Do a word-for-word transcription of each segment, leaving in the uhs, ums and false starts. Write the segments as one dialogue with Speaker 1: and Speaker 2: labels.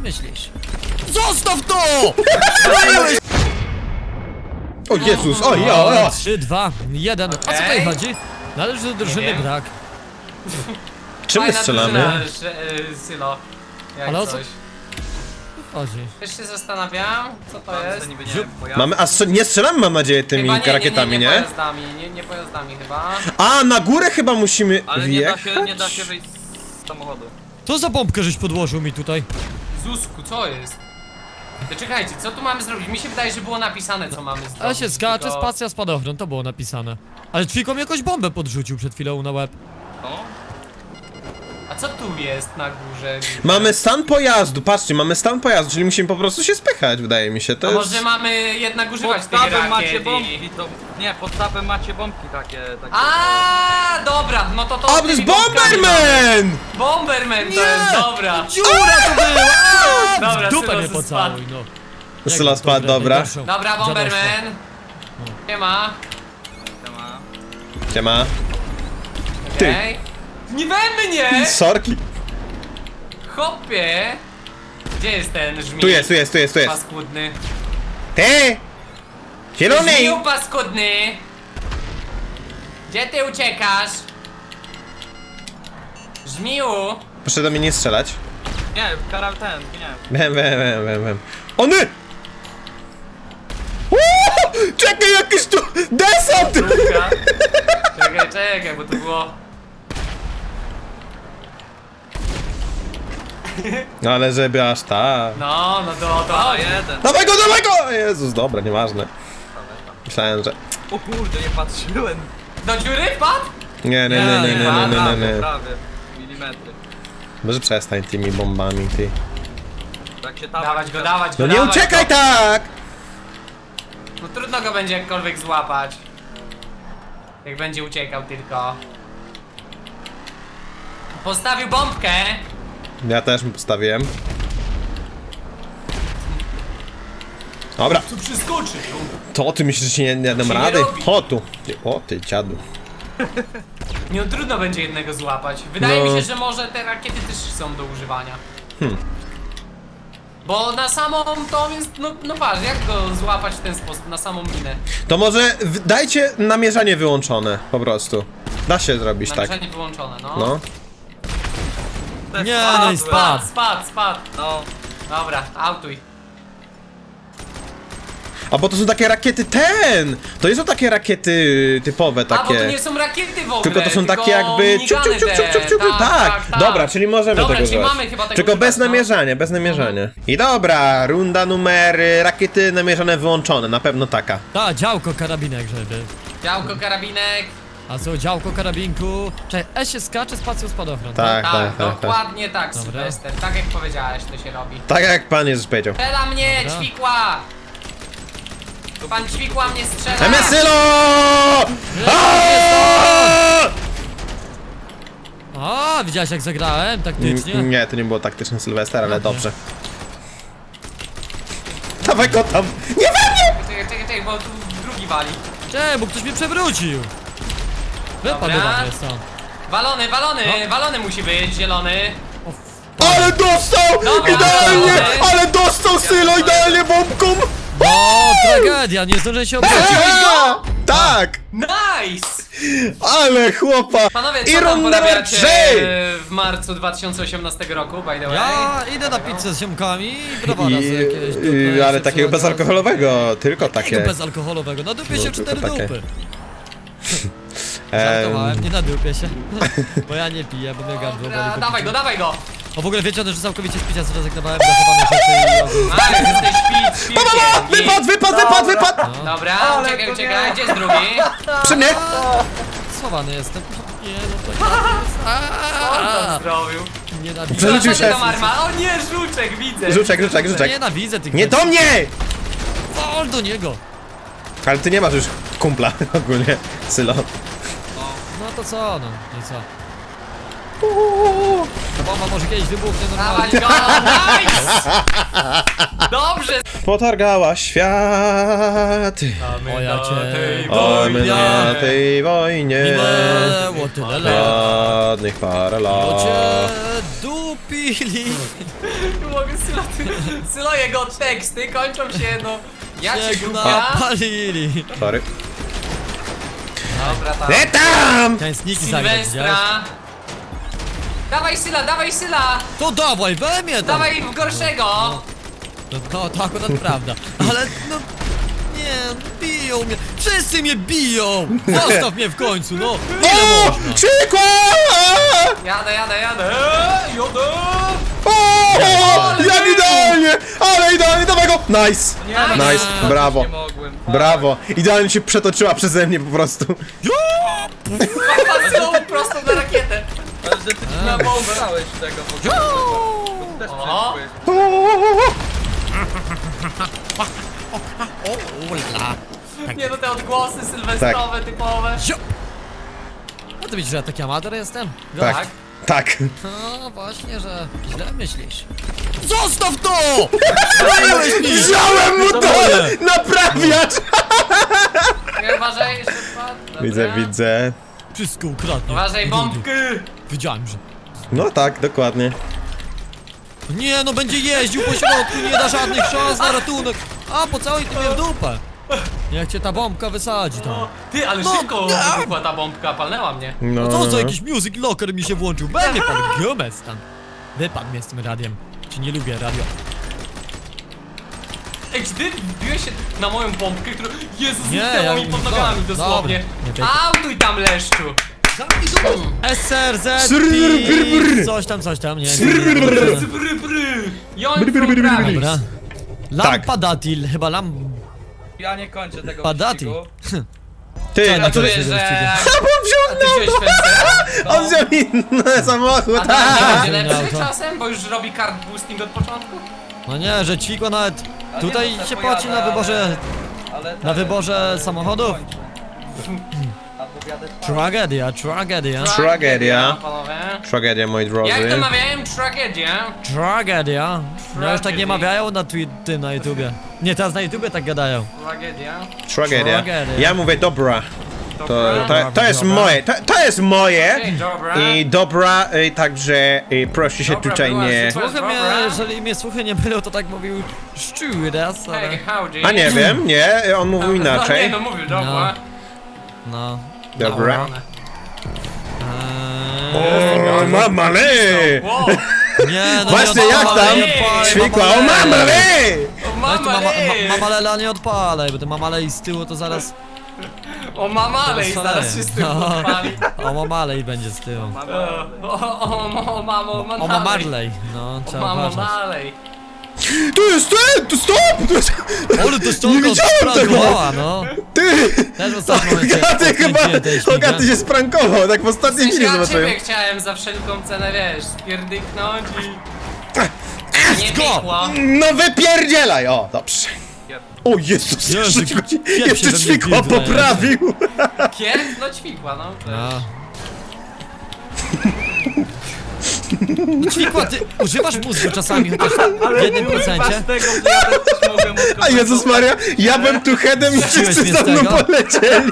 Speaker 1: myślisz? Zostaw to! Spaliłeś!
Speaker 2: O Jezus, o ja, ja.
Speaker 1: trzy, dwa, jeden. O co tutaj chodzi? Należy do drużyny
Speaker 3: wiem.
Speaker 1: brak.
Speaker 2: Czym my
Speaker 3: Fajna
Speaker 2: strzelamy?
Speaker 3: drużyna, że, y, Sylo. Jak
Speaker 1: Ale o co-
Speaker 3: coś.
Speaker 1: Chodzi.
Speaker 3: Też się zastanawiam, co to jest.
Speaker 4: niby nie
Speaker 1: Ziup.
Speaker 4: wiem, pojazd.
Speaker 2: Mamy, a strze- nie strzelamy, mam nadzieję, tymi
Speaker 3: Chyba nie, nie,
Speaker 2: rakietami,
Speaker 3: nie,
Speaker 2: nie?
Speaker 3: nie, pojazdami, nie, nie pojazdami chyba.
Speaker 2: A, na górę chyba musimy
Speaker 4: Ale nie da
Speaker 2: wjechać?
Speaker 4: się, nie da się wyjść z samochodu.
Speaker 1: Co za bombkę żeś podłożył mi tutaj?
Speaker 3: Zusku, co jest? To czekajcie, co tu mamy zrobić? Mi się wydaje, że było napisane, co mamy zrobić.
Speaker 1: A się skacze,
Speaker 3: tylko-
Speaker 1: spacja, spadochron, to było napisane. Ale Ćwiko mi jakąś bombę podrzucił przed chwilą na łeb.
Speaker 4: O,
Speaker 3: A co tu jest na górze?
Speaker 2: Mamy stan pojazdu, patrzcie, mamy stan pojazdu, czyli musimy po prostu się spychać, wydaje mi się, to
Speaker 3: A
Speaker 2: jest...
Speaker 3: może mamy jednak używać
Speaker 4: pod
Speaker 3: tych
Speaker 4: tapem macie
Speaker 3: rakiet
Speaker 4: bombki,
Speaker 3: i...
Speaker 4: to... Nie, pod tapem macie bombki takie, takie...
Speaker 3: A, dobra, no to to...
Speaker 2: A, to jest Bomberman!
Speaker 3: Bomberman to
Speaker 1: Nie!
Speaker 3: jest, dobra.
Speaker 1: Dziura to była!
Speaker 3: Dobra,
Speaker 1: W dupę
Speaker 3: Sylo
Speaker 1: mnie
Speaker 3: se
Speaker 1: pocałuj, no. Jak
Speaker 2: Syla
Speaker 1: to
Speaker 2: spadł,
Speaker 1: dobre,
Speaker 2: dobra.
Speaker 1: najgorszą
Speaker 3: Dobra, Bomberman. Nie ma.
Speaker 4: Siema.
Speaker 2: Siema. Ty.
Speaker 3: Okej. Nie we mnie!
Speaker 2: Sorki.
Speaker 3: Hopie! Gdzie jest ten żmij?
Speaker 2: Tu jest, tu jest, tu jest, tu jest.
Speaker 3: Paskudny.
Speaker 2: Ty! Zielony!
Speaker 3: Żmiju paskudny! Gdzie ty uciekasz? Żmiju!
Speaker 2: Proszę do mnie nie strzelać.
Speaker 4: Nie, karal ten, nie.
Speaker 2: Wiem, wiem, wiem, wiem, wiem. Ony! Uuu, czekaj, jakiś tu desant!
Speaker 3: Druga. Czekaj, czekaj, bo to było...
Speaker 2: No ale żeby aż tak.
Speaker 3: No, no to, to
Speaker 4: O,
Speaker 3: chodzi.
Speaker 4: jeden.
Speaker 2: Dawaj go, dawaj go! Jezus, dobra, nieważne. Myślałem, że...
Speaker 4: O kurde, nie patrzyłem.
Speaker 3: Do dziury wpadł?
Speaker 2: Nie, nie, nie, nie, nie, nie, nie, nie,
Speaker 4: Prawie,
Speaker 2: nie.
Speaker 4: prawie. Milimetry.
Speaker 2: Może przestań tymi bombami, ty.
Speaker 4: Tak się tam...
Speaker 3: Dawać go, dawać go,
Speaker 2: No nie
Speaker 3: dawać
Speaker 2: uciekaj
Speaker 3: go.
Speaker 2: tak!
Speaker 3: No trudno go będzie jakkolwiek złapać. Jak będzie uciekał tylko. Postawił bombkę.
Speaker 2: Ja też mu postawiłem. Dobra,
Speaker 3: Tu przeskoczy tu.
Speaker 2: to ty myślisz, że się nie, nie dam
Speaker 3: Się nie
Speaker 2: rady?
Speaker 3: robi.
Speaker 2: O tu. Ty- O ty dziadu.
Speaker 3: Nie, no, trudno będzie jednego złapać. Wydaje
Speaker 2: No.
Speaker 3: mi się, że może te rakiety też są do używania.
Speaker 2: Hmm.
Speaker 3: Bo na samą to jest, no, no patrz, jak go złapać w ten sposób, na samą minę.
Speaker 2: To może w- dajcie namierzanie wyłączone, po prostu. Da się zrobić tak.
Speaker 3: Namierzanie wyłączone, no.
Speaker 2: No.
Speaker 4: Też
Speaker 1: Nie,
Speaker 4: spadłem.
Speaker 1: no i spadł.
Speaker 3: Spadł, spadł, spadł.
Speaker 4: No,
Speaker 3: Dobra, autuj.
Speaker 2: A bo to są takie rakiety ten! To nie są takie rakiety typowe,
Speaker 3: A, bo to
Speaker 2: takie.
Speaker 3: nie są rakiety w ogóle,
Speaker 2: Tylko to są
Speaker 3: tylko
Speaker 2: takie jakby ciup, ciup, ciup, ciup, ciup, ciup,
Speaker 3: minigany te.
Speaker 2: tak, dobra, czyli możemy
Speaker 3: Dobra,
Speaker 2: tego
Speaker 3: czyli
Speaker 2: używać.
Speaker 3: mamy chyba tego
Speaker 2: Tylko
Speaker 3: używać,
Speaker 2: bez
Speaker 3: no.
Speaker 2: namierzania, bez namierzania. I dobra, runda numer y, rakiety namierzone wyłączone, na pewno taka.
Speaker 1: Ta, działko karabinek, żeby.
Speaker 3: Działko, karabinek.
Speaker 1: A co, działko karabinku? Czekaj, E się skacze, spacją spadochron.
Speaker 2: Tak,
Speaker 3: Tak,
Speaker 2: tak, tak, tak.
Speaker 3: dokładnie tak,
Speaker 1: Dobra.
Speaker 3: Sylwester. Tak jak powiedziałeś, to się robi.
Speaker 2: Tak jak pan Jezus powiedział.
Speaker 3: Strzela mnie,
Speaker 1: Dobra.
Speaker 3: ćwikła! Pan ćwikła mnie strzela!
Speaker 2: Emesylo!
Speaker 1: A, widziałeś jak zagrałem taktycznie?
Speaker 2: Nie, to nie było taktyczne Sylwester, ale dobrze. Dawaj go tam! Nie we mnie!
Speaker 3: Czekaj, czekaj, czekaj, bo tu drugi wali.
Speaker 1: Cześć, bo ktoś mnie przewrócił! Wypadł
Speaker 3: Dobra.
Speaker 1: do mnie stąd.
Speaker 3: Walony, walony,
Speaker 1: No.
Speaker 3: walony musi być, zielony.
Speaker 1: O, f-
Speaker 2: Ale dostał!
Speaker 3: Dobra,
Speaker 2: Idealnie!
Speaker 3: dobra.
Speaker 2: Ale dostał Sylo idealnie bombką!
Speaker 1: O, tragedia, nie zdążę się obrócić.
Speaker 2: A, tak!
Speaker 3: Nice!
Speaker 2: Ale chłopa!
Speaker 3: Panowie,
Speaker 2: I
Speaker 3: co tam
Speaker 2: runda numer
Speaker 3: porabiacie
Speaker 2: trzy!
Speaker 3: w marcu dwa tysiące osiemnastego roku, by the way?
Speaker 1: Ja idę na pizzę z ziomkami i browara
Speaker 2: I,
Speaker 1: sobie jakieś dupy.
Speaker 2: y, ale
Speaker 1: się
Speaker 2: takiego
Speaker 1: przyłożę.
Speaker 2: bezalkoholowego, tylko
Speaker 1: Takiego
Speaker 2: takie.
Speaker 1: bezalkoholowego, na dupie
Speaker 2: No,
Speaker 1: się
Speaker 2: tylko
Speaker 1: cztery
Speaker 2: takie.
Speaker 1: dupy.
Speaker 2: Em,
Speaker 1: Żartowałem, nie nadupię się. Bo ja nie piję, bo mnie gardło boli
Speaker 3: Dobra,
Speaker 1: po
Speaker 3: dawaj
Speaker 1: piciu.
Speaker 3: go, dawaj go!
Speaker 1: O, w ogóle wiecie o tym, że całkowicie z picia zrezygnowałem, zachowane rzeczy i ogólnie.
Speaker 3: Ale jesteś pić,
Speaker 2: Pa, pa, pa! Wypad, wypad, wypad, wypad!
Speaker 3: Dobra,
Speaker 4: Ale
Speaker 3: czekaj,
Speaker 4: to
Speaker 3: czekaj,
Speaker 4: nie.
Speaker 3: gdzie jest drugi?
Speaker 2: Przy mnie!
Speaker 1: Schowany jestem. Nie, no to
Speaker 3: Co on tam
Speaker 1: Aaaa!
Speaker 3: zrobił?
Speaker 1: Nienawidzę.
Speaker 2: Przerzucił
Speaker 3: Zobaczcie
Speaker 2: się.
Speaker 3: tam arma. O nie, żuczek, widzę!
Speaker 2: Żuczek, żuczek, żuczek.
Speaker 1: Nienawidzę tych
Speaker 2: Nie do mnie!
Speaker 1: Wol do niego!
Speaker 2: Ale ty nie masz już kumpla ogólnie, Sylo.
Speaker 1: No to co, no, i co? Ta bomba może kiedyś wybuchnie
Speaker 3: Dawaj
Speaker 1: normalnie.
Speaker 3: go, nice! Dobrze!
Speaker 2: Potargała światy.
Speaker 1: O, ja cię
Speaker 2: O, my na tej wojnie.
Speaker 1: minęło tyle lat.
Speaker 2: Ładnych parę
Speaker 1: Bo cię
Speaker 2: lat.
Speaker 1: dupili.
Speaker 3: Nie mogę Sylo, ty, Sylo, jego teksty kończą się, no... Ja cię
Speaker 1: Cię
Speaker 3: głupia.
Speaker 1: napalili.
Speaker 2: Sorry.
Speaker 3: Dobra, tam.
Speaker 2: Nie tam!
Speaker 1: Chciałem sniki zagrać, widziałeś?
Speaker 3: Sylwestra. Dawaj Syla, dawaj Syla!
Speaker 1: To dawaj, we mnie tam!
Speaker 3: Dawaj w gorszego!
Speaker 1: No to, to akurat prawda, ale no... Nie, biją mnie, wszyscy mnie biją! Zostaw mnie w końcu, no! Ile
Speaker 2: O!
Speaker 1: można?
Speaker 2: Czykła!
Speaker 3: Jadę, jadę, jadę! Eee, Jadę!
Speaker 2: O! Jak idealnie! Ale idealnie, dawaj go! Nice!
Speaker 4: Nie,
Speaker 3: Nice.
Speaker 2: Nice,
Speaker 4: no,
Speaker 2: brawo.
Speaker 4: Nie mogłem. fuck.
Speaker 2: Brawo! Idealnie się przetoczyła przeze mnie po prostu.
Speaker 3: Papa Sylo prosto na rakietę!
Speaker 4: Ale że ty na bombę dałeś tego w ogóle. Bo ty też
Speaker 3: O!
Speaker 4: przeszłeś.
Speaker 1: O, ula.
Speaker 3: Nie no, te odgłosy sylwestrowe typowe.
Speaker 1: Zio! A ty widzisz, że ja taki amator jestem?
Speaker 2: Tak. Tak.
Speaker 1: No właśnie, że źle myślisz. Zostaw to! Zrobiłeś mi!
Speaker 2: Wziąłem mu to!
Speaker 1: moje.
Speaker 2: Naprawiacz!
Speaker 3: Nie, uważaj, jeszcze wpadł. Dobra.
Speaker 2: Widzę, widzę.
Speaker 1: Wszystko ukradnie.
Speaker 3: Uważaj, bombki!
Speaker 1: Wiedziałem, że...
Speaker 2: No tak, dokładnie.
Speaker 1: Nie no, będzie jeździł po środku, nie da żadnych szans na ratunek. A, pocałuj ty mnie w dupę. Niech cię ta bombka wysadzi tam.
Speaker 3: O, ty, ale
Speaker 1: No,
Speaker 3: szybko
Speaker 1: nie.
Speaker 3: wybuchła ta bombka, palnęła mnie.
Speaker 2: No.
Speaker 1: Co za jakiś music locker mi się włączył? Będzie pan Gomez tam. Wypadł mnie z tym radiem. Czy nie lubię radio?
Speaker 3: Ej, czy ty wbiłeś się na moją bombkę, która... Jezus,
Speaker 1: Nie,
Speaker 3: zniknęła
Speaker 1: ja-
Speaker 3: mi pod
Speaker 1: dobra,
Speaker 3: nogami dosłownie.
Speaker 1: dobra, nie
Speaker 3: Autuj tam, leszczu!
Speaker 1: S R Z
Speaker 2: Srrr, brr, brr.
Speaker 1: coś tam, coś tam, nie
Speaker 2: Srrr,
Speaker 1: wiem.
Speaker 2: brr.
Speaker 3: Bry, bry. Joń
Speaker 2: Bry, bry,
Speaker 3: from
Speaker 2: bry, bry,
Speaker 3: prawic.
Speaker 1: Dobra.
Speaker 2: Tak.
Speaker 1: Lampadatil, chyba lamp...
Speaker 4: Ja nie kończę tego
Speaker 1: Padatil.
Speaker 4: wyścigu.
Speaker 2: Ty,
Speaker 1: Co,
Speaker 2: a co
Speaker 3: Czuję,
Speaker 2: ty...
Speaker 3: że...
Speaker 2: A bo on
Speaker 3: A
Speaker 2: wziął
Speaker 3: ty wziąłeś Fencera?
Speaker 2: On wziął inny samochód!
Speaker 3: A ten będzie
Speaker 1: Auto.
Speaker 3: lepszy czasem, bo już robi kart boosting od początku?
Speaker 1: No nie, że ćwikło nawet...
Speaker 4: A
Speaker 1: Tutaj
Speaker 4: nie, no,
Speaker 1: się
Speaker 4: pojadę,
Speaker 1: płaci na wyborze...
Speaker 4: Ale, ale
Speaker 1: Na wyborze samochodów?
Speaker 4: kończę. Albo wjadę w
Speaker 1: Tragedia, tragedia,
Speaker 2: Tragedia.
Speaker 3: Panowie.
Speaker 2: Tragedia, moi drodzy.
Speaker 3: Jak to mawiałem? Tragedia.
Speaker 1: tragedia. No już tak
Speaker 3: Tragedy.
Speaker 1: nie mawiają na twi- tym na YouTubie. Nie, teraz na YouTubie tak gadają.
Speaker 3: Tragedia.
Speaker 2: Tragedia.
Speaker 1: Tragedia.
Speaker 2: Ja mówię dobra. To,
Speaker 3: Dobra.
Speaker 2: to, to jest
Speaker 1: Dobra.
Speaker 2: moje, to, to jest moje.
Speaker 3: Ej, dobra.
Speaker 2: I dobra, y, także y, proszę się
Speaker 3: Dobra,
Speaker 2: tutaj
Speaker 3: była
Speaker 2: nie...
Speaker 3: sytuacja.
Speaker 1: Słuchy mnie,
Speaker 3: Dobra.
Speaker 1: jeżeli mnie słuchy nie mylą, to tak mówił Szczuras,
Speaker 3: Hey,
Speaker 1: ale...
Speaker 3: howdy.
Speaker 2: A nie wiem, nie, on mówił
Speaker 3: No nie,
Speaker 2: inaczej.
Speaker 3: no mówił, dobra.
Speaker 1: No.
Speaker 2: Dobra.
Speaker 1: Eee,
Speaker 2: O, mamale!
Speaker 3: Wow.
Speaker 1: nie, no
Speaker 2: Właśnie,
Speaker 1: nie
Speaker 2: jak
Speaker 1: odpalaj,
Speaker 2: tam?
Speaker 1: nie odpalaj,
Speaker 2: Ćwikła, o
Speaker 1: mamale.
Speaker 2: mamale!
Speaker 3: O
Speaker 1: No i tu mama,
Speaker 3: mamalej!
Speaker 1: ma, mamalela nie odpalaj, bo te mamalej z tyłu to zaraz...
Speaker 3: O mamalej,
Speaker 1: to
Speaker 3: zaraz się z tym
Speaker 1: No.
Speaker 3: podpali.
Speaker 1: O mamalej będzie z tyłu.
Speaker 4: Mamy...
Speaker 3: O, o, o, o mamo,
Speaker 1: O
Speaker 3: mamalej.
Speaker 1: mamarlej, no
Speaker 3: O
Speaker 1: trzeba
Speaker 3: mamo,
Speaker 1: uważać.
Speaker 3: malej.
Speaker 2: Tu jest ten, tu stop! Tu jest...
Speaker 1: Ale to
Speaker 2: Nie
Speaker 1: ściąga
Speaker 2: widziałem tego!
Speaker 1: odprangowała, no.
Speaker 2: Ty!
Speaker 1: Też w ostatnim momencie
Speaker 2: Hogaty chyba,
Speaker 1: odkręciłem tej śmigę.
Speaker 2: Hogaty się sprankował, tak w ostatniej chwili
Speaker 3: Ja
Speaker 2: zobaczyłem.
Speaker 3: ciebie chciałem za wszelką cenę, wiesz, spierdyknąć i... Nie
Speaker 1: go!
Speaker 3: piekło.
Speaker 2: No wypierdzielaj! O, dobrze. O Jezus,
Speaker 1: Jezu,
Speaker 2: jeszcze,
Speaker 1: kiep się
Speaker 2: jeszcze
Speaker 1: we mnie
Speaker 2: ćwikła
Speaker 1: wbija,
Speaker 2: poprawił!
Speaker 3: Kier? No ćwikła, no.
Speaker 1: No. No ćwikła, ty używasz mózgu czasami chociaż w jednym procencie?
Speaker 4: z tego, że ja też mogłem
Speaker 2: A Jezus Maria, ja bym tu headem i
Speaker 1: Zrzuciłeś
Speaker 2: wszyscy
Speaker 1: mnie
Speaker 2: za
Speaker 1: z
Speaker 2: mną
Speaker 1: tego?
Speaker 2: polecieli.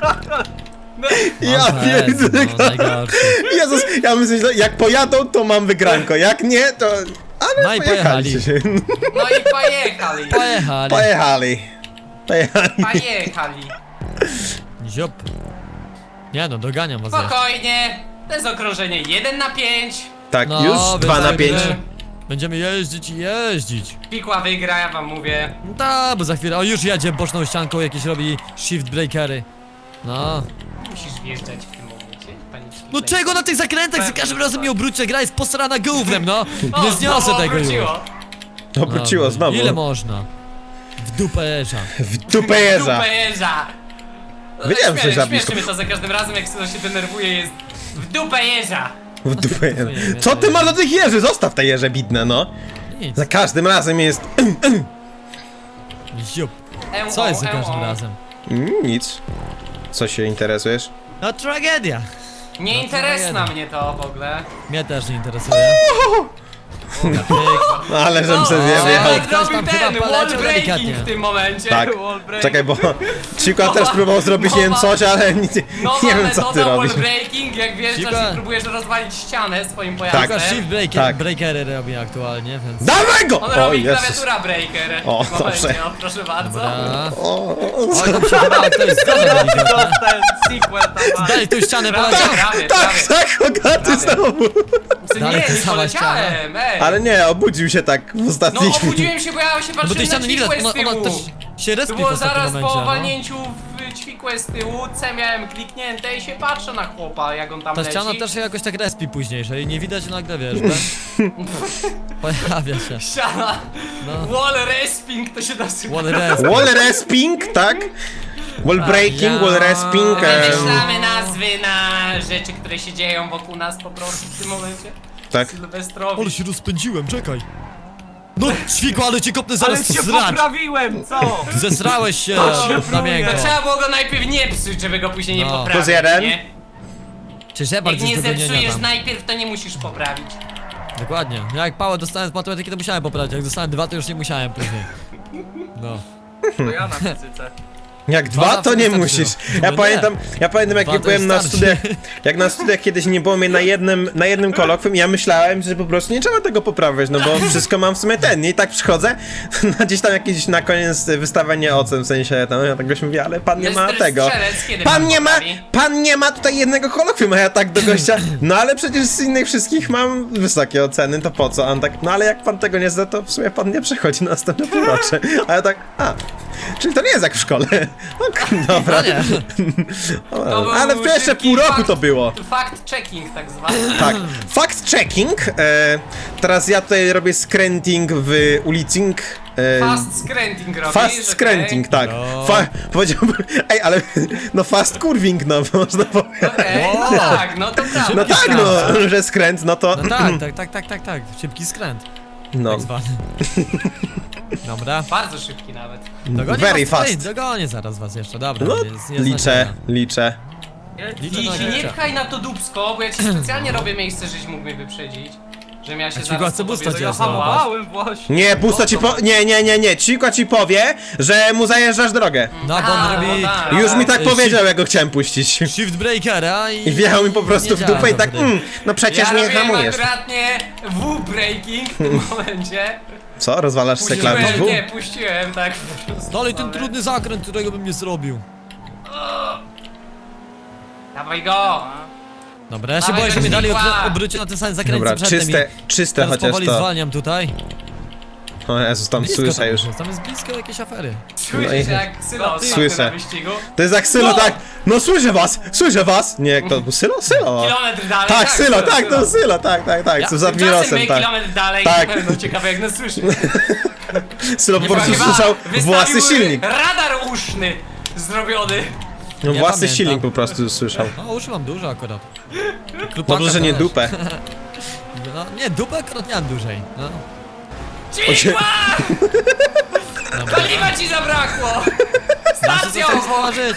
Speaker 2: Ja
Speaker 1: O Jezu,
Speaker 2: pierdolę.
Speaker 1: no, najgorszy.
Speaker 2: Jezus, ja myślę, że jak pojadą, to mam wygranko, jak nie, to... Ale
Speaker 1: No i
Speaker 2: pojechaliście się.
Speaker 3: No i pojechali.
Speaker 1: Pojechali.
Speaker 2: Pojechali. Pojechali.
Speaker 3: Pojechali.
Speaker 1: Ziop. Nie no, doganiam was jeszcze.
Speaker 3: Spokojnie. To jest okrążenie jeden na pięć.
Speaker 2: Tak,
Speaker 1: No,
Speaker 2: już
Speaker 1: wy
Speaker 2: dwa na
Speaker 1: tak
Speaker 2: pięć.
Speaker 1: wy- Będziemy jeździć i jeździć.
Speaker 3: Pikła wygra, ja wam mówię.
Speaker 1: No ta, bo za chwilę, o już jedzie boczną ścianką, jakieś robi shift breakery. No.
Speaker 3: Musisz wjeżdżać w tym momencie, panicznie.
Speaker 1: No czego na tych zakrętach za każdym razem mnie obrócicie, gra jest posrana gównem, no. Nie zniosę
Speaker 3: znowu
Speaker 1: tego już.
Speaker 3: obróciło.
Speaker 2: Obróciło
Speaker 1: No,
Speaker 2: znowu.
Speaker 1: Ile można? W dupę jeża.
Speaker 2: W dupę jeża.
Speaker 3: Dupę jeża.
Speaker 2: Wiedziałem, że
Speaker 3: Śmieszy-
Speaker 2: za
Speaker 3: Śmieszy
Speaker 2: blisko.
Speaker 3: mnie to za każdym razem, jak Sylo się denerwuje, jest w dupę jeża.
Speaker 2: W dupę jeża.
Speaker 1: Dziękuję,
Speaker 2: Co ty masz do tych jeży? Zostaw te jeże bidne, no.
Speaker 1: Nic.
Speaker 2: Za każdym razem jest...
Speaker 1: Ziup.
Speaker 3: Eł,
Speaker 1: Co jest za
Speaker 3: eł,
Speaker 1: każdym
Speaker 3: eł.
Speaker 1: razem?
Speaker 2: Mm, nic. Co się interesujesz?
Speaker 1: No tragedia.
Speaker 3: Nie
Speaker 1: No,
Speaker 3: interesna
Speaker 1: jeden.
Speaker 3: mnie to w ogóle.
Speaker 1: Mnie też nie interesuje.
Speaker 2: No ale żem se
Speaker 3: O,
Speaker 2: zjechał.
Speaker 3: jak
Speaker 1: Ktoś
Speaker 3: robił
Speaker 1: tam
Speaker 3: ten
Speaker 1: chyba
Speaker 3: wall
Speaker 1: poleciał
Speaker 3: breaking
Speaker 1: delikatnie.
Speaker 3: w tym momencie.
Speaker 2: Tak.
Speaker 3: Wall breaking.
Speaker 2: Czekaj, bo Chico też próbował zrobić nie wiem coś, ale nie,
Speaker 3: Nowa
Speaker 2: nie wiem co ty
Speaker 3: metoda
Speaker 2: robisz.
Speaker 3: wall breaking, jak wjeżdżasz
Speaker 1: Cicho.
Speaker 3: i próbujesz rozwalić ścianę swoim
Speaker 2: Tak.
Speaker 3: pojazdem.
Speaker 1: Tylko shift breaker,
Speaker 2: Tak.
Speaker 1: breakery robi aktualnie, więc...
Speaker 2: Dawaj go!
Speaker 3: On
Speaker 2: O
Speaker 3: robi
Speaker 2: Jezus.
Speaker 3: klawiatura breaker.
Speaker 2: O,
Speaker 3: w momencie,
Speaker 2: dobrze.
Speaker 3: o, proszę bardzo.
Speaker 1: Dobra.
Speaker 2: O,
Speaker 1: Oj, tam się chyba ktoś zdarza delikatnie.
Speaker 4: Dostałem sequel tam.
Speaker 1: Daj tu ścianę
Speaker 3: Prawie,
Speaker 1: poleciał.
Speaker 3: prawie,
Speaker 2: tak,
Speaker 3: prawie.
Speaker 2: tak, Hogaty
Speaker 3: Prawie.
Speaker 2: znowu.
Speaker 3: Nie,
Speaker 1: Dalej ta
Speaker 3: nie
Speaker 1: sama
Speaker 3: poleciałem, ej.
Speaker 2: Ale nie, obudził się tak w
Speaker 3: No
Speaker 2: ostatniej chwili.
Speaker 3: obudziłem się, bo ja się
Speaker 1: No bo tej
Speaker 3: patrzyłem na
Speaker 1: ściany nie widać,
Speaker 3: ćwikłe z
Speaker 1: ona, ona
Speaker 3: tyłu.
Speaker 1: też się
Speaker 3: To
Speaker 1: respi w
Speaker 3: było
Speaker 1: ostatnim
Speaker 3: zaraz
Speaker 1: momencie,
Speaker 3: po
Speaker 1: no.
Speaker 3: walnięciu w ćwikłe z tyłu, C miałem kliknięte i się patrzę na chłopa, jak on tam
Speaker 1: Ta
Speaker 3: leci.
Speaker 1: ściana też się jakoś tak respi później, że jej nie widać nagle, wiesz, ben? Pojawia się.
Speaker 3: Ściana,
Speaker 1: No.
Speaker 3: wall resping to się nazywa.
Speaker 1: Wall resp.
Speaker 2: Wall resping, tak? Wall breaking,
Speaker 1: ja-
Speaker 2: wall resping. em,
Speaker 3: Wymyślamy nazwy na rzeczy, które się dzieją wokół nas po prostu w tym momencie.
Speaker 2: Tak.
Speaker 3: Sylwestrowi.
Speaker 1: Ale się rozpędziłem, czekaj. No, ćwiku, ale cię kopnę
Speaker 4: Ale
Speaker 1: zaraz
Speaker 4: się
Speaker 1: zrać.
Speaker 4: poprawiłem, co?
Speaker 1: Zesrałeś się na miękko.
Speaker 3: To trzeba było go najpierw nie psuć, żeby go później nie
Speaker 1: No.
Speaker 3: poprawić,
Speaker 2: Plus jeden.
Speaker 3: nie?
Speaker 1: Czy Shepard
Speaker 3: Jak nie
Speaker 1: jest do gonienia
Speaker 3: zepsujesz
Speaker 1: tam.
Speaker 3: najpierw, to nie musisz poprawić.
Speaker 1: Dokładnie. Ja jak pałę dostałem z matematyki, to musiałem poprawić. Jak dostałem dwa, to już nie musiałem później. No.
Speaker 4: To ja na fizyce.
Speaker 2: Jak
Speaker 1: Dwa
Speaker 2: dwa,
Speaker 1: zawsze
Speaker 2: to nie
Speaker 1: wystarczy.
Speaker 2: musisz.
Speaker 1: No
Speaker 2: Ja
Speaker 1: nie.
Speaker 2: pamiętam, ja pamiętam jak
Speaker 1: Dwa
Speaker 2: ja
Speaker 1: to
Speaker 2: byłem na
Speaker 1: wystarczy.
Speaker 2: studiach, jak na studiach kiedyś nie było mnie na jednym, na jednym kolokwium, ja myślałem, że po prostu nie trzeba tego poprawiać, no bo wszystko mam w sumie ten, nie? I tak przychodzę, na gdzieś tam jakieś na koniec wystawienie ocen, w sensie tam, ja tak goś mówię, ale pan nie ma
Speaker 3: Mister
Speaker 2: tego.
Speaker 3: Strzelec, kiedy
Speaker 2: Pan
Speaker 3: pan
Speaker 2: nie ma,
Speaker 3: poprawi?
Speaker 2: pan nie ma tutaj jednego kolokwium, a ja tak do gościa, no ale przecież z innych wszystkich mam wysokie oceny, to po co? A on tak, no ale jak pan tego nie zda, to w sumie pan nie przechodzi na następne półrocze. A ja tak, a, czyli to nie jest jak w szkole. Ok, dobra.
Speaker 1: No nie.
Speaker 3: To był
Speaker 2: Ale w pierwsze
Speaker 3: szybki
Speaker 2: pół roku
Speaker 3: fakt-
Speaker 2: to było.
Speaker 3: Fact checking tak zwany.
Speaker 2: Tak. Fact checking. E, teraz ja tutaj robię scranting w ulicing. E,
Speaker 3: Fast scranting robisz,
Speaker 2: Fast
Speaker 3: okej.
Speaker 2: scranting, tak.
Speaker 1: No.
Speaker 2: Fa powiedziałbym, ej, ale no fast curving, no można powiedzieć.
Speaker 3: Okej,
Speaker 1: Wow.
Speaker 3: no tak, no to prawda.
Speaker 2: No tak, no, że skręt, no to.
Speaker 1: No tak, tak, tak, tak, tak, tak. Szybki skręt.
Speaker 2: No,
Speaker 1: Tak zwany. Dobra.
Speaker 3: Bardzo szybki nawet.
Speaker 1: Dogonię
Speaker 2: very
Speaker 1: was tutaj,
Speaker 2: fast.
Speaker 1: Dogonię zaraz was jeszcze, dobra.
Speaker 2: No,
Speaker 1: jest, jest
Speaker 2: liczę,
Speaker 1: znaczenia.
Speaker 2: liczę.
Speaker 1: Liczę
Speaker 3: I
Speaker 1: na
Speaker 3: się nie
Speaker 1: liczę.
Speaker 3: pchaj na to dupsko, bo ja ci specjalnie robię miejsce, żeś mógł mnie wyprzedzić. Żebym ja się
Speaker 1: A ci
Speaker 3: zaraz
Speaker 1: go chce
Speaker 3: po tobie
Speaker 1: busta cię
Speaker 3: zahamował.
Speaker 1: złapać.
Speaker 4: Hamowałem właśnie.
Speaker 2: Nie, pusto ci po... Nie, nie, nie, nie, Ciko ci powie, że mu zajeżdżasz drogę.
Speaker 1: No bo on
Speaker 3: A,
Speaker 1: robi...
Speaker 3: no tak.
Speaker 2: Już mi tak
Speaker 1: Ej,
Speaker 2: powiedział, jak go chciałem puścić.
Speaker 1: Shift breakera i...
Speaker 2: I wjechał mi po prostu w
Speaker 1: Nie
Speaker 2: dupę i
Speaker 1: działa
Speaker 2: tak,
Speaker 1: wtedy.
Speaker 2: mm, no przecież
Speaker 3: Ja
Speaker 2: nie
Speaker 3: robiłem
Speaker 2: hamujesz.
Speaker 3: akuratnie W-breaking w tym momencie.
Speaker 2: Co, rozwalasz se klawisz
Speaker 3: Puściłem,
Speaker 2: W?
Speaker 3: nie, puściłem, tak.
Speaker 1: Dalej ten trudny zakręt, którego bym nie zrobił.
Speaker 3: Dawaj go!
Speaker 1: Dobra, ja się
Speaker 3: Dawaj
Speaker 1: boję, że
Speaker 3: do
Speaker 1: mnie dali
Speaker 3: śmigła.
Speaker 1: obrócić na ten sam zakręt
Speaker 2: Dobra,
Speaker 1: co przedtem
Speaker 2: czyste,
Speaker 1: i
Speaker 2: czyste
Speaker 1: teraz
Speaker 2: chociaż
Speaker 1: powoli
Speaker 2: to.
Speaker 1: zwalniam tutaj.
Speaker 2: O Jezus, tam
Speaker 1: Blisko
Speaker 2: słyszę
Speaker 1: tam
Speaker 2: już.
Speaker 1: jest, tam jest blisko jakieś afery.
Speaker 3: Słyszysz
Speaker 2: No i-
Speaker 3: jak Sylo ostatnio
Speaker 2: Słyszę.
Speaker 3: na wyścigu?
Speaker 2: To jest jak Sylo,
Speaker 3: No!
Speaker 2: tak? No słyszę was, słyszę was! Nie, jak to był Sylo? Sylo!
Speaker 3: Kilometr dalej.
Speaker 2: Tak, Sylo, tak, to Sylo, tak, tak, tak,
Speaker 1: Ja-
Speaker 2: co z
Speaker 3: Tymczasem
Speaker 2: Admirosem,
Speaker 3: my
Speaker 2: tak.
Speaker 3: kilometr dalej.
Speaker 2: Tak.
Speaker 3: No ciekawe jak nas słyszy.
Speaker 2: Sylo po prostu
Speaker 3: Chyba
Speaker 2: słyszał
Speaker 3: wystawił
Speaker 2: własny silnik.
Speaker 3: Radar uszny zrobiony.
Speaker 2: No
Speaker 1: Ja
Speaker 2: własny
Speaker 1: pamiętam.
Speaker 2: silnik po prostu słyszał.
Speaker 1: No uszy mam dużo akurat. Klupaka
Speaker 2: Dobrze, że nie
Speaker 1: też.
Speaker 2: dupę.
Speaker 1: No nie, dupę akurat miałem dłużej. No.
Speaker 3: Cichła!
Speaker 1: Dobra.
Speaker 3: Paliwa ci zabrakło! Stacją!
Speaker 1: Muszę stworzyć.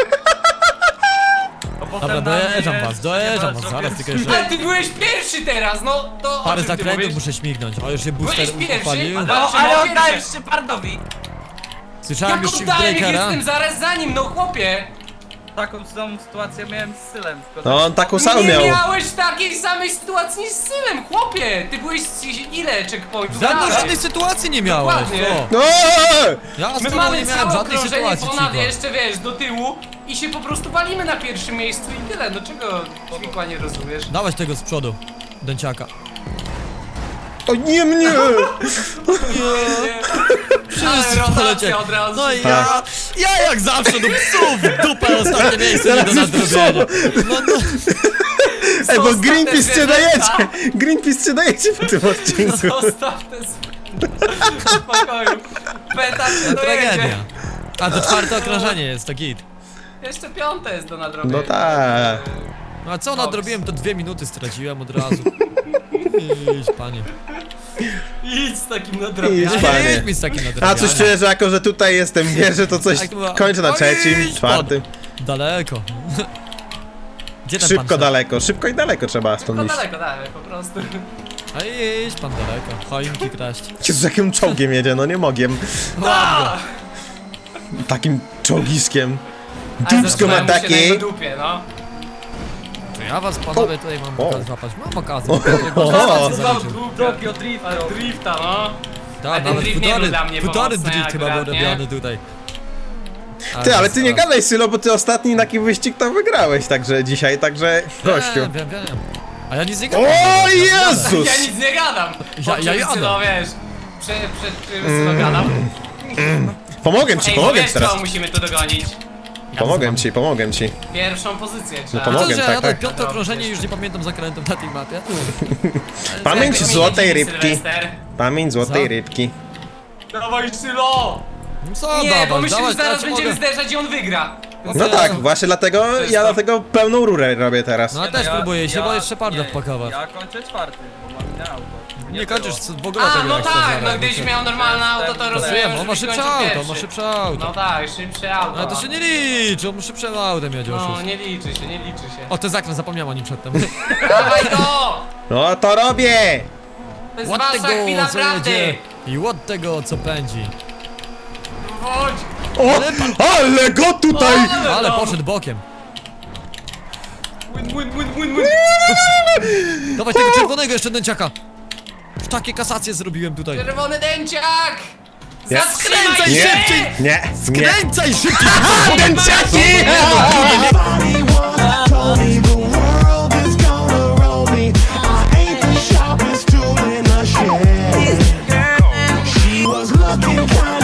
Speaker 4: A potem
Speaker 1: Dobra,
Speaker 4: na
Speaker 1: dojeżdżam
Speaker 4: mnie
Speaker 1: was, dojeżdżam was,
Speaker 4: zrobię
Speaker 1: zaraz tylko
Speaker 4: trzy-
Speaker 1: jeszcze
Speaker 3: Ale ty byłeś pierwszy teraz, no to
Speaker 1: parę
Speaker 3: o czym ty
Speaker 1: zakrętów
Speaker 3: mówisz?
Speaker 1: muszę śmignąć. O, już się booster
Speaker 3: Byłeś pierwszy?
Speaker 1: upalił.
Speaker 3: A
Speaker 4: No,
Speaker 3: Zawsze
Speaker 4: ale
Speaker 3: ma
Speaker 4: oddałem
Speaker 3: pierwsze.
Speaker 4: Shepardowi.
Speaker 1: Słyszałem
Speaker 3: Jak
Speaker 1: już shift
Speaker 3: oddałem, jak
Speaker 1: breakera.
Speaker 3: jestem zaraz za nim, no chłopie!
Speaker 4: Taką samą sytuację miałem z Sylem. tylko
Speaker 2: No
Speaker 4: tak-
Speaker 2: on taką samą
Speaker 3: Nie
Speaker 2: miał.
Speaker 3: miałeś takiej samej sytuacji z Sylem, chłopie! Ty byłeś z ile checkpointów?
Speaker 1: Żadnej,
Speaker 3: dalej?
Speaker 1: żadnej sytuacji nie miałeś.
Speaker 3: Dokładnie.
Speaker 1: O,
Speaker 2: No!
Speaker 1: ja z
Speaker 3: My
Speaker 1: tobą nie
Speaker 3: mamy
Speaker 1: miałem
Speaker 3: całe
Speaker 1: żadnej
Speaker 3: okrążenie
Speaker 1: sytuacji,
Speaker 3: ponad
Speaker 1: Cicho.
Speaker 3: jeszcze, wiesz, do tyłu i się po prostu walimy na pierwszym miejscu i tyle. No czego Ćwikła nie rozumiesz?
Speaker 1: Dawać tego z przodu. Dęciaka.
Speaker 2: O nie mnie!
Speaker 3: Ale
Speaker 1: polecieli.
Speaker 3: rotacja od razu.
Speaker 1: No i ja, ja jak zawsze do psów w dupę ostatnie miejsce nie do
Speaker 2: Teraz już
Speaker 1: nadrobienia. No, no.
Speaker 2: Ej, bo
Speaker 3: Zostaw te
Speaker 2: Greenpeace cię
Speaker 3: zwierzęta.
Speaker 2: dajecie! Greenpeace cię dajecie w tym odcinku.
Speaker 3: Zostaw te w spokoju. Peta cię dojedzie.
Speaker 1: Tragedia. A to czwarte okrążenie jest, to git.
Speaker 3: Jeszcze piąte jest do nadrobienia.
Speaker 2: No tak.
Speaker 1: No a co nadrobiłem, to dwie minuty straciłem od razu. Idź, panie.
Speaker 3: Idź z takim
Speaker 2: Idź,
Speaker 3: nadrobieniem.
Speaker 2: panie.
Speaker 1: Idź mi z takim
Speaker 2: A
Speaker 1: nadrobieniem.
Speaker 2: coś czuję, że jako, że tutaj jestem pierwszy, to coś
Speaker 1: Tak to była-
Speaker 2: kończę na
Speaker 1: Oj,
Speaker 2: trzecim,
Speaker 1: idź
Speaker 2: czwartym.
Speaker 1: pan. Daleko. Gdzie ten pan
Speaker 2: Szybko
Speaker 1: szedł?
Speaker 2: daleko, szybko i daleko trzeba stąd
Speaker 3: No
Speaker 2: iść.
Speaker 3: daleko, dalej, po prostu.
Speaker 1: A idź pan daleko, choinki kraść.
Speaker 2: Jezus, jakim czołgiem jedzie, no nie mogiem.
Speaker 1: Ładnie.
Speaker 2: Takim czołgiskiem.
Speaker 3: Ale
Speaker 2: Dupsko ma
Speaker 3: zatrzymałem się na
Speaker 2: takie.
Speaker 3: jego dupie, no.
Speaker 1: To ja was panowie tutaj mam
Speaker 2: O.
Speaker 1: okazję złapać. Mam okazję.
Speaker 2: O. O.
Speaker 4: Tokio Drift.
Speaker 3: Ale drifta, no. Ale
Speaker 1: Tak,
Speaker 3: ten
Speaker 1: nawet
Speaker 3: drift nie był
Speaker 1: futory,
Speaker 3: dla mnie
Speaker 1: futory
Speaker 3: pomocny
Speaker 1: drift chyba był
Speaker 3: akurat, nie?
Speaker 1: robiony tutaj.
Speaker 2: Ty, ale ty nie
Speaker 1: zaraz.
Speaker 2: gadaj, Sylo, bo ty ostatni taki wyścig to wygrałeś, także dzisiaj, także gościu.
Speaker 1: Wiem, wiem, wiem. A ja nic nie gadam.
Speaker 2: O
Speaker 1: Ja nie gadam.
Speaker 2: Jezus!
Speaker 3: Ja nic nie gadam.
Speaker 1: Ja- ja jadę.
Speaker 3: No wiesz, przed, przed czym Sylo gadam.
Speaker 2: Pomogę ci,
Speaker 3: Ej,
Speaker 2: pomogę
Speaker 3: wiesz
Speaker 2: ci teraz.
Speaker 3: co musimy tu dogonić?
Speaker 2: Pomogę ci, pomogę ci.
Speaker 3: Pierwszą pozycję trzeba.
Speaker 2: pomogę.
Speaker 1: Widzę, że ja
Speaker 2: tak,
Speaker 1: jadę
Speaker 2: tak.
Speaker 1: piąte okrążenie i już nie pamiętam zakrętów na tej mapie.
Speaker 2: Pamięć
Speaker 3: Jak
Speaker 2: złotej
Speaker 3: wymienić
Speaker 2: rybki.
Speaker 3: Sylwester?
Speaker 2: Pamięć złotej
Speaker 1: Co?
Speaker 2: rybki.
Speaker 3: Dawaj Sylo!
Speaker 1: Co
Speaker 3: Nie,
Speaker 1: dawać,
Speaker 3: bo myślę,
Speaker 1: dawać,
Speaker 3: że zaraz
Speaker 1: ja ci
Speaker 3: będziemy
Speaker 1: mogę.
Speaker 3: zderzać i on wygra.
Speaker 2: No tak, właśnie dlatego
Speaker 3: jest
Speaker 2: ja
Speaker 3: to.
Speaker 2: dlatego pełną rurę robię teraz.
Speaker 1: No ja też próbuję się, bo jeszcze parda wpakować.
Speaker 4: Ja kończę czwarty, bo mam inne auto.
Speaker 1: Nie
Speaker 4: było.
Speaker 1: kończysz w ogóle
Speaker 3: A,
Speaker 1: tego
Speaker 3: no
Speaker 1: jak chcesz
Speaker 3: tak,
Speaker 1: zaraz,
Speaker 3: no
Speaker 1: bo
Speaker 3: gdybyś
Speaker 1: się-
Speaker 3: miał normalne auto, to rozumiem,
Speaker 1: Pasujemy, on ma
Speaker 3: żebyś
Speaker 1: szybsze
Speaker 3: kończył
Speaker 1: auto,
Speaker 3: pierwszy.
Speaker 1: ma szybsze auto.
Speaker 3: No tak, szybsze auto.
Speaker 1: Ale to się nie liczy, on ma szybsze autem jedzie
Speaker 3: No,
Speaker 1: oszust.
Speaker 3: nie liczy się, nie liczy się.
Speaker 1: O, to zakręt, zapomniałem o nim przedtem.
Speaker 3: Dawaj to!
Speaker 2: No to robię!
Speaker 3: To jest
Speaker 1: Ład
Speaker 3: wasza
Speaker 1: tego,
Speaker 3: chwila
Speaker 1: co
Speaker 3: prawdy!
Speaker 1: jedzie i ład tego, co pędzi.
Speaker 3: Chodź!
Speaker 2: O! Ale go tutaj!
Speaker 1: Ale
Speaker 3: no.
Speaker 1: poszedł bokiem.
Speaker 3: Win, win, win, win, win!
Speaker 1: Dawaj tego czerwonego jeszcze dęciaka. Już takie kasacje zrobiłem tutaj.
Speaker 3: Czerwony dęciak!
Speaker 2: Nie.
Speaker 3: Zatrzymaj
Speaker 1: Skręcaj
Speaker 3: się!
Speaker 1: szybciej!
Speaker 2: Nie, nie.
Speaker 1: Kręcaj szybciej!
Speaker 2: Dęciaki!
Speaker 5: Everybody once told me the world is gonna roll me. I ain't the sharpest tool in the shed. She was looking kind